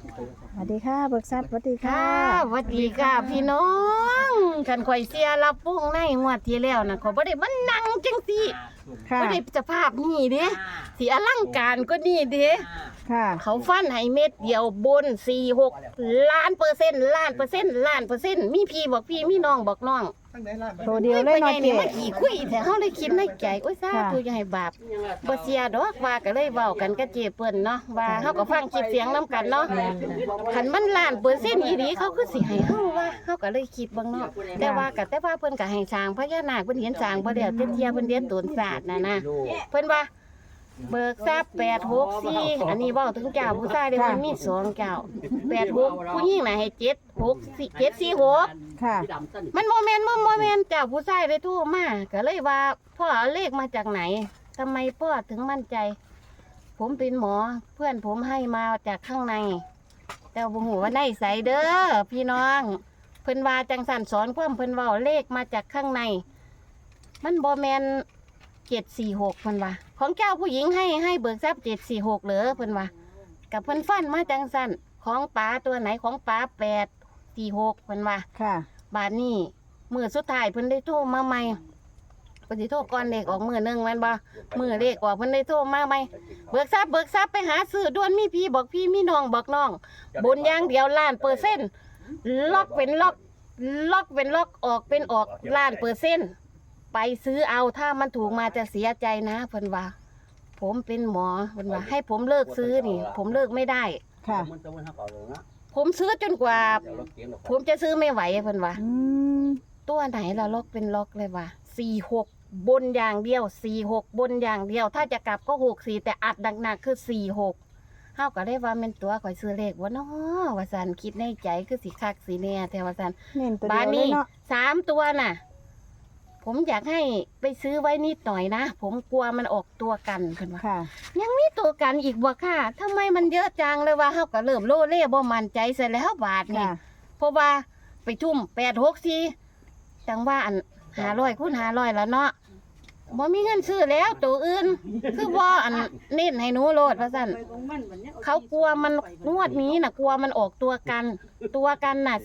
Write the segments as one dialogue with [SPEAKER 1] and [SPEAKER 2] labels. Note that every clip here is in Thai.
[SPEAKER 1] สวัสดีค่ะเบิกทรัพย์สวัสดีค่ะ
[SPEAKER 2] สวัสดีค่ะพี่น้องคันข่อยเสียรับปุ้งในงวดที่แล้วน่ะขอยบ่ได้มานั่งจังซี่
[SPEAKER 1] ค่ะ
[SPEAKER 2] บ่ได้สภาพนี่เด้สิอลังการก็นี่เด้
[SPEAKER 1] ค่ะ
[SPEAKER 2] เขาฟันให้เม็ดเดียวบน46ล้านเปอร์เซ็นต์ล้านเปอร์เซ็นต์ล้านเปอร์เซ็นต์มีพี่บอกพี่มีน้องบอกน้อง
[SPEAKER 1] ตัวเดียวเลยเนาะ
[SPEAKER 2] นี่
[SPEAKER 1] เจ๊
[SPEAKER 2] มาขี่คุยแต่เฮาเลยคิดในใจโอ้ยซาตัวอย่าให้บาปบ่เสียดอกว่าก็เลยเว้ากันกับเจ๊เปิ้นเนาะว่าเฮาก็ฟังคลิปเสียงนํกันเนาะคันมันล้านเปอร์เซ็นต์อีหลีเขาคือสิให้เฮาว่าเฮาก็เลยคิดเบิ่งเนาะแต่ว่าเพิ่นก็ให้สร้างพญานาคเพิ่นเห็นสร้างบ่แล้วแต่เที่ยเพิ่นเรียนตนศาสตร์น่ะนะเพิ่นว่าเบิกทรัพย์864อันนี้เว้าถึงเจ้าผู้ชายเด้มันมี2เจ้า86ผู้หญิงน่ะให้746
[SPEAKER 1] ค่ะ
[SPEAKER 2] มันโมเมนต์เจ้าผู้ชายเลยโทรมาก็เลยว่าพ่อเอาเลขมาจากไหนทำไมพ่อถึงมั่นใจ ผมเป็นหมอเพื่อนผมให้มาจากข้างใน แต่บ่ฮู้ว่าในใสเด้อพี่น้องเพิ่นว่าจังสั่นสอนความเพิ่นเว้าเลขมาจากข้างใน มันบ่แม่น746เพิ่นว่าของเจ้าผู้หญิงให้เบิกทรัพย์746เหรอเพิ่นว่ากับเพิ่นฟันมาจังสั่นของป๋าตัวไหนของป๋า846เพิ่นว่า
[SPEAKER 1] ค่ะ
[SPEAKER 2] บาดนี้มื้อสุดท้ายเพิ่นได้โทรมาใหม่เพิ่นสิโทรก่อนเลขออกมื้อนึงแม่นบ่มื้อเลขออกเพิ่นได้โทรมาใหม่เบิกทรัพย์ไปหาซื้อด่วนมีพี่บอกพี่มีน้องบอกน้องบนอย่างเดียวล้านเปอร์เซ็นต์ล็อกเป็นล็อกเป็นล็อกออกเป็นออกล้านเปอร์เซ็นต์ไปซื้อเอาถ้ามันถูกมาจะเสียใจนะเพิ่นว่า ผมเป็นหมอเพิ่นว่าให้ผมเลิกซื้อนี่ ผมเลิกไม่ได้
[SPEAKER 1] ค่ะ
[SPEAKER 2] ผมซื้อจนกว่า ผมจะซื้อไม่ไหวเพิ่นว่า
[SPEAKER 1] อืม
[SPEAKER 2] ตัวไหนละล็อกเป็นล็อกเลยว่ะ46บนอย่างเดียว46บนอย่างเดียว ถ้าจะกลับก็64แต่อัดหนักๆคือ46เฮาก็ได้ว่าแม่นตัวข่อยซื้อเลขบ่เนาะว่าซั่นคิดในใจคือสิคักสิแน่แต่ว่าซั่น
[SPEAKER 1] เน้นตัว
[SPEAKER 2] บา
[SPEAKER 1] เดี
[SPEAKER 2] ด
[SPEAKER 1] ยวเล
[SPEAKER 2] นี้
[SPEAKER 1] ยเนาะ
[SPEAKER 2] 3ตัวน่ะ ผมอยากให้ไปซื้อไว้นิดหน่อยนะผมกลัวมันออกตัวกันเพิ่นว่า
[SPEAKER 1] ค่ะ
[SPEAKER 2] ยังมีตัวกันอีกบ่ค่ะทำไมมันเยอะจังเลยว่าเฮาก็เริ่มโลเล่บ่มั่นใจเสร็จแล้วบาทนี่
[SPEAKER 1] ค่ะ
[SPEAKER 2] เพราะว่าไปทุ่ม864จังว่าอัน500คูณ500แล้วเนาะบ่มีเงินซื้อแล้วตัวอื่น คือบ่อันเน้นให้หนูโลดว่าซั่นเขากลัวมันงวดนี้น่ะกลัวมันออกตัวกันน่ะ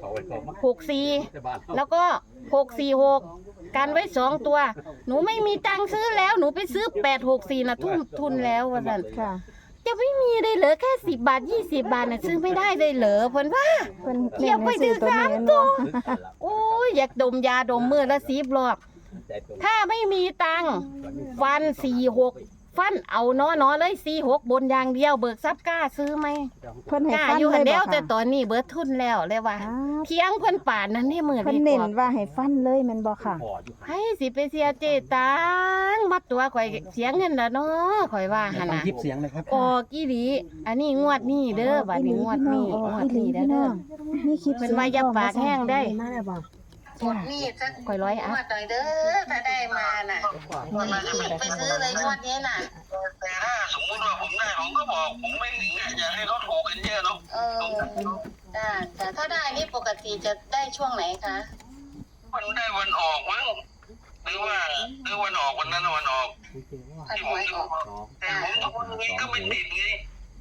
[SPEAKER 2] 364แล้วก็646กันไว้2ตัว หนูไม่มีตังค์ซื้อแล้วหนูไปซื้อ864น่ะทุ่มทุนแล้วว่าซั่น
[SPEAKER 1] ค่ะ
[SPEAKER 2] จะไม่มีได้เหรอแค่10 บาท20 บาทน่ะซื้อไม่ได้เลยเหรอเพิ่นว่า
[SPEAKER 1] เพิ่น
[SPEAKER 2] เกี่ยวไปถึง
[SPEAKER 1] ตัว
[SPEAKER 2] สาม
[SPEAKER 1] นี้
[SPEAKER 2] ตัว
[SPEAKER 1] เนาะ
[SPEAKER 2] โอ้ยอยากดมยาดมมือละ10 รอบถ้าไม่มีตังค์ฟัน46ฟันเอาน้อเลย46บนอย่างเดียวเบิกทรัพย์กล้าซื้อไหม
[SPEAKER 1] เพิ่นให้
[SPEAKER 2] กล้า
[SPEAKER 1] ฟัน
[SPEAKER 2] อยู่
[SPEAKER 1] เล
[SPEAKER 2] หั
[SPEAKER 1] ย
[SPEAKER 2] น
[SPEAKER 1] บ่
[SPEAKER 2] เดียวแต่
[SPEAKER 1] ค่ะ
[SPEAKER 2] ตอนนี้เบิดทุนแล้วเลยว่า
[SPEAKER 1] อ้าว
[SPEAKER 2] เพียงเพิ่นป่านนั้นนี่มือ
[SPEAKER 1] เพิ่น
[SPEAKER 2] ดี
[SPEAKER 1] เน้
[SPEAKER 2] ก
[SPEAKER 1] น
[SPEAKER 2] ว่า
[SPEAKER 1] ว่าให้ฟันเลยแม่นบ่ค่ะ
[SPEAKER 2] ให้สิไปเสียเจตังมัดตัวข่อยเสียเงินละเนาะข่อยว่าหั่น
[SPEAKER 3] ฟัง
[SPEAKER 2] น่ะ
[SPEAKER 3] คลิปเสียงเลยครับ
[SPEAKER 2] ออกอีหลีอันนี้งวดนี้เด้อบัดนี้งวดนี้งวดนี้เด้อ
[SPEAKER 1] มีคลิป
[SPEAKER 2] เพิ่นว่าอย่าปากแห้งได้
[SPEAKER 1] จ้ะ
[SPEAKER 2] นี่สักข่อยร้อยอัพหน่อยเด้อถ้าได้มาน่ะไปซื้อเลยงวดนี้น่ะ
[SPEAKER 4] แต่ถ้าสมมุติว่าผมได้ผมก็บอกผมไม่ถึงอ่ะอยากให้เขาถูกกันเยอะเนาะ
[SPEAKER 2] แต่ถ้าได้นี่ปกติจะได้ช่วงไหนคะ
[SPEAKER 4] มันได้วันออกมั้งหรือวันออกวันนั้นวันออก
[SPEAKER 2] พัน
[SPEAKER 4] ที่
[SPEAKER 2] ห
[SPEAKER 4] ผม
[SPEAKER 2] วย
[SPEAKER 4] ดู
[SPEAKER 2] ออก
[SPEAKER 4] แต่ผมทุกวันนี้ก็ไม่ติดไง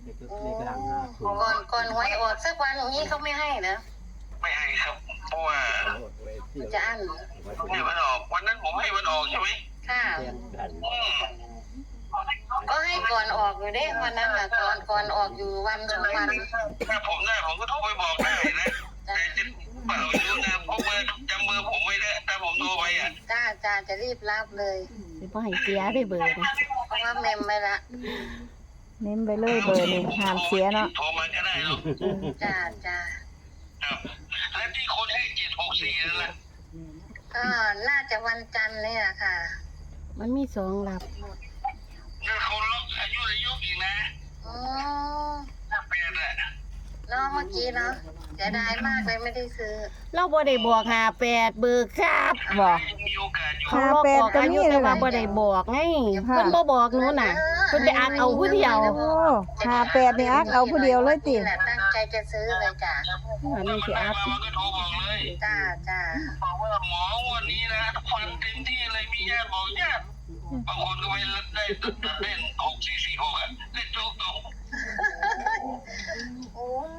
[SPEAKER 2] ก่อนหวยออกสักวันอย่างนี้เขาไม่ให้นะ
[SPEAKER 4] ไม่ให้ครับ เพราะว่า
[SPEAKER 2] จะอั้น
[SPEAKER 4] เนี่ยวันออกวันนั้นผมให้วันออกใช่ไหม
[SPEAKER 2] ค่ะ
[SPEAKER 4] อืม
[SPEAKER 2] ก็ให้ก่อนออกอยู่เด้วันนั้นน่ะก่อนออกอยู่วัน2 วัน
[SPEAKER 4] ถ้าผมได้ผมก็โทรไปบอกได้นะแต่จะเปล่าไม่รู้นะเพราะเบอร์จำเบอร์ผมไม่ได้ถ้าผมโทรไปอ่ะ
[SPEAKER 2] จ้าจะรีบรับเลยสิบ่ให้เสียได้เบอร์นะเพราะว่าเมมไว้ละ
[SPEAKER 1] เน้นไปเลยเบอร์นี่ห้ามเสียเนาะ
[SPEAKER 4] โทรมาก็ได้เนาะ
[SPEAKER 2] จ้า
[SPEAKER 4] ครับแล้วที่คนให้764นั่นแหละ
[SPEAKER 2] ก็น่าจะวันจันทร์เนี่ยค่ะ มันมี2หลับ
[SPEAKER 4] นั่นเขาล็อกอายุอีกนะ
[SPEAKER 2] อ๋อ
[SPEAKER 4] ถ้าแปดอ่ะ
[SPEAKER 2] เนาะเมื่อกี้เนาะเสียดายมากเลยไม่ได้ซื้อ เราบ่ได้บอก58เบิกครับ
[SPEAKER 1] บ่
[SPEAKER 4] มีโอกาสอยู่
[SPEAKER 2] เขาบอกบอกอายุแต่ว่าบ่ได้บอกไงเพิ่นบ่บอกหนูน่ะเพิ่นไปอักเอาผู้เดียว
[SPEAKER 1] โอ้58นี่อักเอาผู้เดียวเลยติ
[SPEAKER 2] ตั้งใจจะซื้อเลยจ้ะอันนี้สิอัพ
[SPEAKER 4] มันก็โทรบอกเลย
[SPEAKER 2] จ้า
[SPEAKER 4] บอกว่าหมอวันนี้นะฟันเต็มที่เลยมีญาติบอกญาติบางคนก็ไม่ได้ตัดเล่น6446อ่ะเล่นโจ๊กตรง
[SPEAKER 2] โอ้ย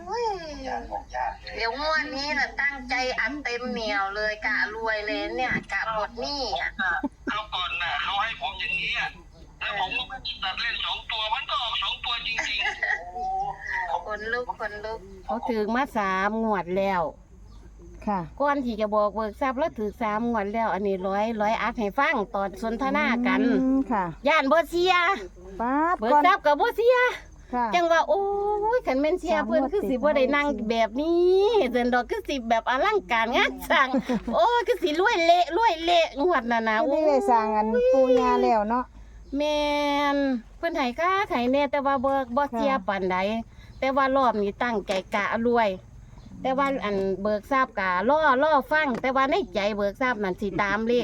[SPEAKER 2] เดี๋ยวงวดนี้น่ะตั้งใจอัดเต็มเหนียวเลยกะรวยเลยเนี่ยกะหมดหนี้อ่ะ
[SPEAKER 4] เขาก่อนน่ะเขาให้ผมอย่างนี้อะแล้วผมก็ไม่ได้ตัดเล่น2 ตัวมันก็ออก2 ตัวจริงๆ
[SPEAKER 2] คนลุกเขาถือมา3 งวดแล้ว
[SPEAKER 1] ค่ะ
[SPEAKER 2] ก่อนที่จะบอกเบิกทรัพย์แล้วถือ3 งวดแล้ว อันนี้ร้อยอัดให้ฟังตอนสนทนากัน
[SPEAKER 1] ค่ะ
[SPEAKER 2] ย่านบ่เสีย
[SPEAKER 1] ป๊าด
[SPEAKER 2] เบิก
[SPEAKER 1] ก่อน
[SPEAKER 2] ทรัพย์กับบ่เสีย
[SPEAKER 1] ค่ะ
[SPEAKER 2] จังว่าโอ้ยคันแม่นเสียเพิ่นคือสิบ่ได้นั่งแบบนี้เดินดอกคือสิแบบอลังการงานสร้าง โอ้ยคือสิรวยเละงวดน่ะนะ
[SPEAKER 1] ไม่ได้สร้างอันปูยาแล้วเนาะ
[SPEAKER 2] แม่นเพิ่นให้ค่าไข่แน่แต่ว่าบ่เสียปานใดแต่ว่ารอบนี้ตั้งใจกะรวย แต่ว่าอันเบิกทราบกะล่อฟัง แต่ว่าในใจเบิกทราบนั่นสิตามเลข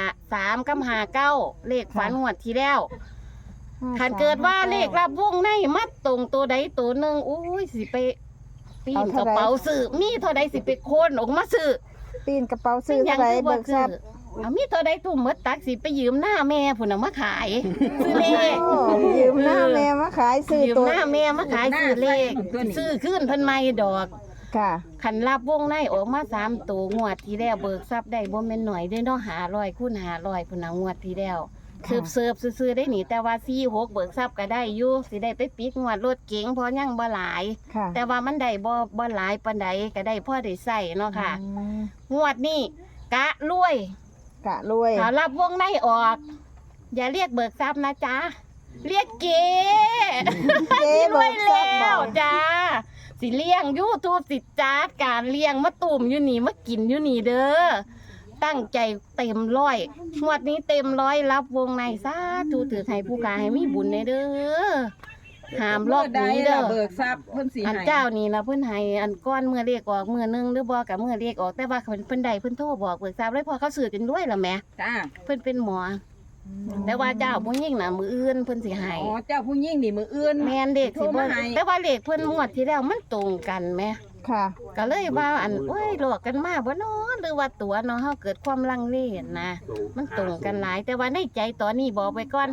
[SPEAKER 2] 53กับ59เลขฝันงวดที่แล้วคันเกิดว่าเลขรับวงในมัดตรงตัวใดตัวหนึงอุ้ยสิไปปีนกระเป๋าซื้อมีเท่าใดสิไปโคนออกมาซื้อ
[SPEAKER 1] ปีนกระเป๋าซื้อเท่าไหร่เบิกทรัพย์
[SPEAKER 2] เอามีเท่าใดทุ่มหมดตักสิไปยืมหน้าแม่พุ่นน่ะมาขายซื้อเลข
[SPEAKER 1] โอ้ยืมหน้าแม่มาขายซื้อ
[SPEAKER 2] ยืม
[SPEAKER 1] ตัว
[SPEAKER 2] หน้าแม่มาขายซื้อเลขซื้อขึ้นเพิ่นไม่ดอก
[SPEAKER 1] ค่ะ
[SPEAKER 2] ขันรับวงในออกมา3 ตัวงวดที่แล้วเบิกทรัพย์ได้บ่แม่นหน่อยเด้อเนาะ500คูณ500พุ่นน่ะงวดที่แล้วเสิร์ฟซื่อๆได้หนิแต่ว่า46เบิกทรัพย์ก็ได้อยู่สิได้ไปปิดงวดรถเก๋งเพราะยังบ่หลาย
[SPEAKER 1] ค่ะ
[SPEAKER 2] แต่ว่ามันได้บ่หลายปานใดก็ได้พอได้ใช้เนาะค่ะ
[SPEAKER 1] อืม
[SPEAKER 2] งวดนี้กะรวย
[SPEAKER 1] กะรวย
[SPEAKER 2] ถ้ารับวงในออก อย่าเรียกเบิกทรัพย์นะจ๊ะเรียกเก๋
[SPEAKER 1] เจ๊เบิกทรัพย์บ
[SPEAKER 2] แล้
[SPEAKER 1] อ
[SPEAKER 2] ว
[SPEAKER 1] ก
[SPEAKER 2] จ้าสิเลี้ยง YouTube สิจัดการเลี้ยงมาตุ่มอยู่นี่มากินอยู่นี่เด้อตั้งใจเต็มร้อยงวดนี้เต็มร้อยรับวงในสาธุถือให้ผู้กาให้มีบุญในเด้อห้ามรอบนี้เด้อ
[SPEAKER 3] เบิกทรัพย์เพิ่นสิ
[SPEAKER 2] อัน
[SPEAKER 3] ให้
[SPEAKER 2] เจ้านี่นะเพิ่นให้อันก้อนเมื่อเรียกออกเมื่อนึงหรือบ่กับเมื่อเรียกออกแต่ว่าเพิ่นใดเพิ่นโทรบอกเบิกทราบเลยพอเขาซื้อกันด้วยล่ะแหม่
[SPEAKER 3] จ้า
[SPEAKER 2] เพิ่นเป็นหมอแต่ว่าเจ้าผู้หญิงน่ะมื้ออื่นเพิ่นสิให้
[SPEAKER 3] อ๋อเจ้าผู้หญิงนี่มืออื่น
[SPEAKER 2] แม่นเด็กสิ
[SPEAKER 3] โทร
[SPEAKER 2] บ่
[SPEAKER 3] มาให้
[SPEAKER 2] แต่ว่าเลขเพิ่นงวดที่แล้วมันตรงกันแหม่
[SPEAKER 1] ค่ะ
[SPEAKER 2] ก็เลยว่าอันโอ้ยหลอกกันมาบ่เนาะหรือว่าตัวเนาะเฮาเกิดความลังเลนะมันตรงกันหลาย แต่ว่าในใจตอนนี้บอกไปก่อน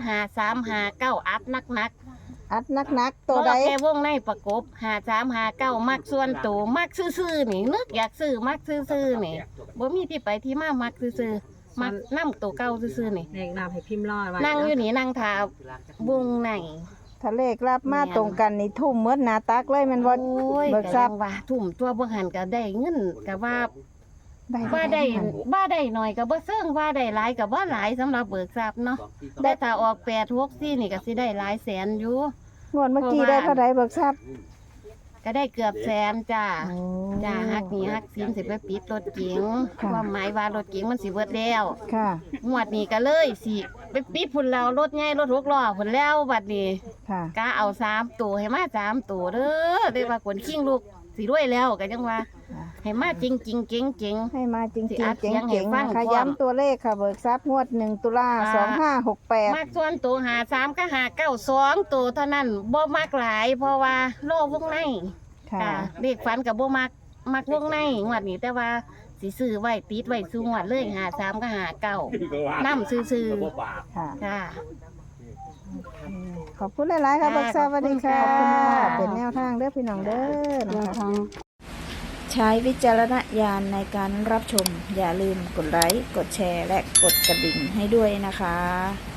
[SPEAKER 2] 5359อัดนัก
[SPEAKER 1] อัดนักๆ
[SPEAKER 2] ๆ
[SPEAKER 1] ตัวใด
[SPEAKER 2] รอแค่วงในประกบ5359มักส่วนตัวมักซื่อๆนี่นึกอยากซื้อมักซื่อๆนี่บ่มีที่ไปที่มามักซื่อๆมักนำตัวเก่าซื่อๆนี่
[SPEAKER 3] แนะนำให้พิมพ์รอไว้
[SPEAKER 2] นั่งอยู่นี่นั่งทาวงใน
[SPEAKER 1] ถ้าเลขรับมาตรงกันนี่ทุ่มเมื่อหนาตักเลยแมันบ่
[SPEAKER 2] โอ้ย
[SPEAKER 1] เบิก
[SPEAKER 2] ก็
[SPEAKER 1] ทรั
[SPEAKER 2] ยั
[SPEAKER 1] พย์
[SPEAKER 2] งว่าทุ่มตัวบ่หันก็ได้เงินก็ว่า
[SPEAKER 1] ได้
[SPEAKER 2] ว่าได้ว่าได้หน่อยก็บ่เซิงว่าได้หลายก็บ่หลายสำหรับเบิกทรัพย์เนาะแต่ถ้าออก864นี่ก็สิได้หลายแสนอยู่
[SPEAKER 1] งวดเมื่อกี้ได้เท่าไหร่เบิกทรัพย์
[SPEAKER 2] ก็ได้เกือบแสนจ้า
[SPEAKER 1] โอ้
[SPEAKER 2] จ้าฮักหนี่ฮักสินสิไปปิดรถเก๋ง
[SPEAKER 1] ค่ะ
[SPEAKER 2] ความหมายว่ารถเก๋งมันสิเบิดแล้ว
[SPEAKER 1] ค่ะ
[SPEAKER 2] งวดนี้ก็เลยสิไปปิดพุ่นแล้วรถใหญ่รถ6ล้อพุ่นแล้วบัดนี้
[SPEAKER 1] ค่ะ
[SPEAKER 2] กะเอา3ตัวให้มา3ตัวเด้อได้ว่าขนขิงลูกสิรวยแล้วก็จังว่าให้มาจริงๆเก่งๆ
[SPEAKER 1] ให้มาจริง
[SPEAKER 2] สิ
[SPEAKER 1] ๆ
[SPEAKER 2] อัดเสี
[SPEAKER 1] เจ๋
[SPEAKER 2] ยงให้
[SPEAKER 1] ง
[SPEAKER 2] ฟั
[SPEAKER 1] ๆ
[SPEAKER 2] ง
[SPEAKER 1] นะคะ
[SPEAKER 2] พร้อม
[SPEAKER 1] ย้ำตัวเลขค่ะเบิกทรัพย์งวด1 ตุลา 2568
[SPEAKER 2] มักส่วนตัว53กับ592ตัวเท่านั้นบ่มักหลาย เพราะว่าโลวงใน
[SPEAKER 1] ค่ะ
[SPEAKER 2] ค่ะเลขฝันกับบ่มักวงในงวดนี้แต่ว่าสิซื้อไว้ติดไว้ซุงวดเลย53กับ59นำซื่อ
[SPEAKER 1] ค่ะ
[SPEAKER 2] ๆค่ะ
[SPEAKER 1] ขอบคุณหลายๆค่ะเบิกทรัพย์สวัสดีค่ะ
[SPEAKER 2] ขอบคุณค่ะ
[SPEAKER 1] เป็นแนวทางเด้อพี่น้องเด้อนะคะ
[SPEAKER 5] ใช้วิจารณญาณในการรับชม อย่าลืมกดไลค์ กดแชร์ และกดกระดิ่งให้ด้วยนะคะ